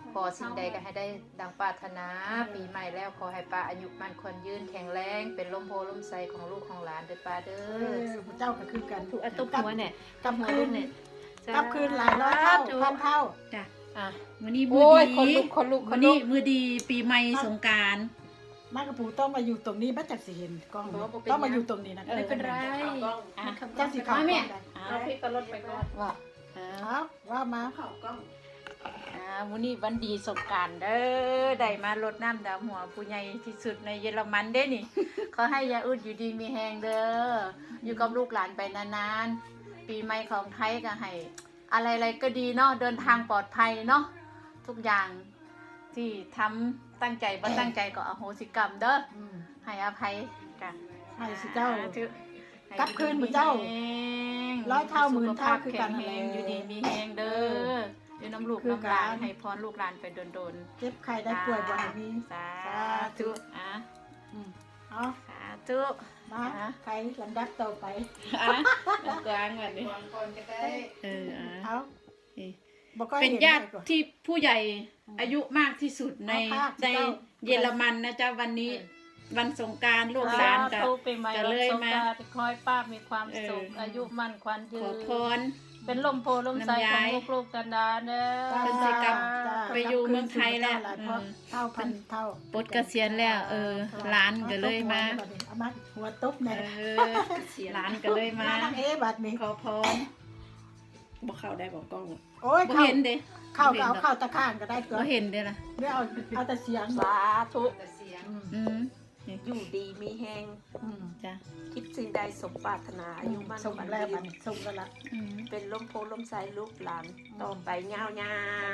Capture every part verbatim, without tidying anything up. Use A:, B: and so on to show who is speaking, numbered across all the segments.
A: ขอสิ่งใดก็ให้ได้ดังปรารถนาปีใหม่แล้วขอให้ป้าอายุมั่นขวัญยืนแข็งแรงเป็นลมโพลมไสของลูกของหลานเด้อป้าเด้
B: เอ
A: อ
B: อพระเจ้าก็คือกัน
C: ถูกอัตุหัวเนี่ย
B: กลับ
C: หัว
B: คื
C: ลู
B: น
C: กเนี่ย
B: กลับคืนหลายร้อยเท่าพันเท่า
C: จ้ะ
A: อ่ะ
C: วันนี้มื
A: โอ้
C: อย
A: คน
C: ดี
A: ลุกคนลุกค
C: วัน น
A: ลุ
C: นี้
A: ก
C: มือดีปีใหม่สงกรานต์
B: มากระปูต้องมาอยู่ตรงนี้บ้าจักสิเห็นกล้องต้องมาอยู่ตรงนี้นะ
C: ไม่เป็นไร
A: อ่ะ
B: เจ้าสิเขา
C: มาแม่
A: เอาพี่ก็ลดไปก่อนว่า
B: เอาว่ามา
A: อ่าวันนี้วันดีสงกรานต์เด้อได้มารดน้ำดำหัวผู้ใหญ่ที่สุดในเยอรมันเด้นี่ ขอให้ยาอึดอยู่ดีมีแหงเด้ออยู่กับลูกหลานไปนานๆปีใหม่ของไทยก็ให้อะไรๆก็ดีเนาะเดินทางปลอดภัยเนาะทุกอย่างที่ทำตั้งใจบ่ตั้งใจก็อโหสิกรรมเด้อ
B: อืม
A: ให้อภัยกัน
B: ให้สิเจ้า
A: ธุ
B: กลับคืนหมู่เจ้า
A: ให้ดีมีแฮง
B: ร้อยเท่าหมื่นเท่าคือกัน
A: สุขภพแข็งแรงอยู่ดีมีแหงเด้ออยู่น้ำลูก
B: คือ
A: น้ำหลาน
B: กัน
A: ให้พรลูกหลานไปโดน
B: เจ็บใครได้ป่วยบ่ให้มี
A: ๆสาธุอ่ะ
B: อืมเอา
A: สาธุ
B: มาใครลำดับต่อไป
C: อ่ะกลางก่อนดิ
A: ก่อนก็ได้
C: เอออ่ะ
B: เอาบ่ค่อย
C: เป็น
B: ห็
C: ญาติ
B: ได้ก่อน
C: ที่ผู้ใหญ่อายุมากที่สุดใน
B: เอาภาพ
C: ใน
B: เจ้า
C: เยอรมันนะจ๊ะวันนี้วันสงกรานต์ลูกหลานกับ
D: ทุกปีใหม่
C: ก็
D: วัน
C: เลย
D: สง
C: มา
D: กรานต์ขอให้ป้ามีความสุข
C: เอออ
D: อายุมั่นขวัญยื
C: ขอน พร
D: เป็นลมโพลมใส
C: น้ำ
D: ข
C: ย้า
D: อง
C: ย
D: ลูกๆกันดาเด้อ
C: เพิ่นสิกลับ
B: จ้า
C: ไปอยู่เมืองไทยแล้ว
B: เท่าเท่าพันเท่า
C: ปลดเกษียณแล้ว เออหลานก็เลยมา
B: เอามาหัวตุ๊บ
C: เอ
B: เนี่ย
C: อหลานก็เลยมา
B: นางเอ๋บัดนี้
C: ขอพรบอกเข้าได้บอกกล้อง
B: โอ้ย
C: บ่
B: เข้า
C: เห็นเด้
B: เข้าก็เอาเข้าตะข้างก็ได้ตัว
C: บ่เห็นเด้ล่ะ
B: ไม่เอาเอาแต่เสียง
D: สาธุ
A: แต่เสียง
B: อืม
C: อืม
E: อยู่ดีมีแหง
B: อืม
C: จ้ะ
E: คิดสิ่งใดสมปรารถนาอายุมั่น
B: ส่ง
E: ขวัญ
B: แล้ว
E: ยื
B: บัด
E: น
B: นี้ส่งแล้วละ
C: อืม
E: เป็นลมโพลมใสลูกหลานต่อไปยาวยาว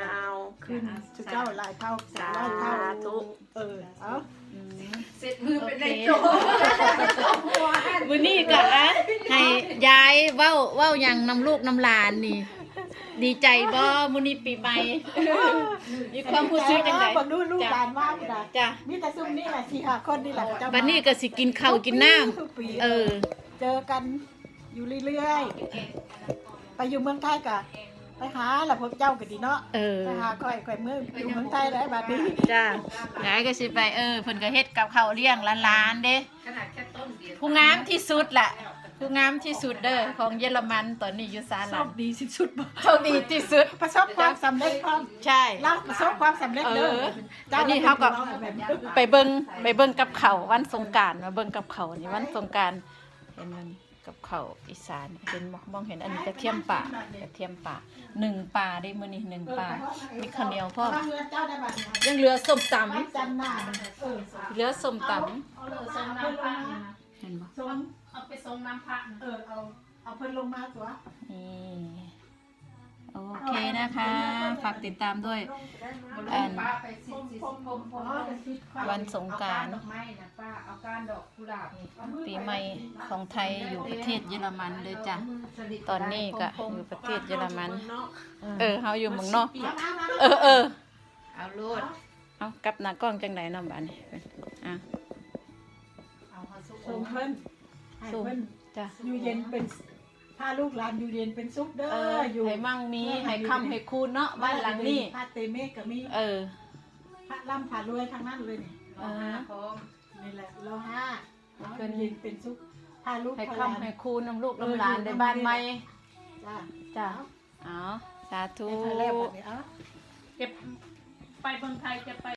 B: ขึ้นสุเจ้าหลายเท่า
E: สา
B: ร้อยเท่า
E: ธุ
B: เออเอา
C: อืม
A: เสร็จมือเป็นในโจ
C: มื้อนี้ก็อะให้ยายเว้าเว้าหยังนำลูกนำหลานนี่ ดีใจบ่มื้อนี้ปีใหม่ มีความรู้สึกจังได๋
B: บังดูลูกหลานมากเลย
C: จ้ะ
B: มีแต่ซุ่มนี่แหละสี่ห้าคนนี่แหละเจ้า
C: บัดนี้ก็สิกินข้าวกินน้ำ
B: ทุกปี
C: เออ
B: เจอกันอยู่เรื่อยๆไปอยู่เมืองไทยกะไปหาล่ะพวกเจ้าก็ดีเนาะ
C: เออ
B: ไปหาค่อยค่อยเมืองอยู่เมืองไทยแล้วบัดนี้
C: จ้ายายก็สิไปเออเพิ่นก็เฮ็ดกับข้าวเลี้ยงหลานๆเด้
A: ขนาดแค่ต้นเดียว
C: ผู้งามที่สุดล่ะ ผู้งามที่สุดเด้อของเยอรมันตอนนี้อยู่ซา
B: โช
C: ลั
B: คน ดีที่สุดบ่
C: โชคดีที่สุด
B: ประสบความสำเร็จความ
C: ใช่
B: เราประสบความสำเร็จเด้อ
C: เออ
B: เจ้า
C: อันนี้เขาก็
B: แบบนี้
C: ไปเบิ่งไปเบิ่งกับเขาววันสงกรานต์มาเบิ่งกับเขาวนี่วันสงกรานต์เห็นมันกับเขาวอีสานเห็นบ่มองเห็นอันนี้กระเทียมป่ากระเทียมป่าหนึ่งป่าได้มื้อนี้หนึ่งป่ามีข้าวเหนียวพร้อม
B: เอาเงินเจ้าได้บัดนี้
C: ยังเหลือส้มต
B: วันจันทร์หน้าเออ
C: ำเหลือส้มต
B: เอาเลย
D: ส่
B: ส่
D: ง
B: งเพิ่น
D: น้ำ
B: ล
D: พระ
B: งมา
C: ำเห็นบ่
B: ส่ง
D: เอาไปส่งน้ำพระนะ
B: เออเอาเอาเพิ่นลงมาตัว
C: นี่โอเคนะคะ ฝากติดตามด้วย อัน
A: ป้าไปสิสิสิพมพม
C: วันสงกรานต์
A: ดอกไม้นะป้าเอาก้านดอกกุหลาบนี่
C: ปีใหม่ของไทยอยู่ประเทศเยอรมันเลยจ้ะ ตอนนี้ก็อยู่ประเทศเยอรมัน เออเฮาอยู่เมืองนอก เออเออ
A: เอาโลด
C: เอากลับหน้ากล้องจังไหนน้องบ้านนี่อ่ะ
A: เอาเขาสุก
B: ส่งเพิ่นให้
C: สู้
B: เพิ่น
C: จ้ะ
B: อยู่เย็นเป็นพาลูกหลานอยู่เย็นเป็นสุขเด้
C: เอ
B: อ
C: อ
B: อยู่
C: ให้มั่งมีให้คำให้คูณเนาะบ้านหลังนี้
B: พระเตเมฆก็มี
C: เออ
B: พระล่ำพารวยทั้งนั้นเลยนี่
A: เออพร้อม
B: นี่แหละเราห้าเราอยู่เย็นเป็นสุขพาลูก
C: ให้
B: พาหลาน
C: คำให้คูณน้ำลูกน้ำหลานในบ้านใหม่
B: จ้า
C: จ้ะเอาสาธุ
B: ในไทยแรกแบบนี้เอ้า
D: เก็บไปเมืองไทยจะไป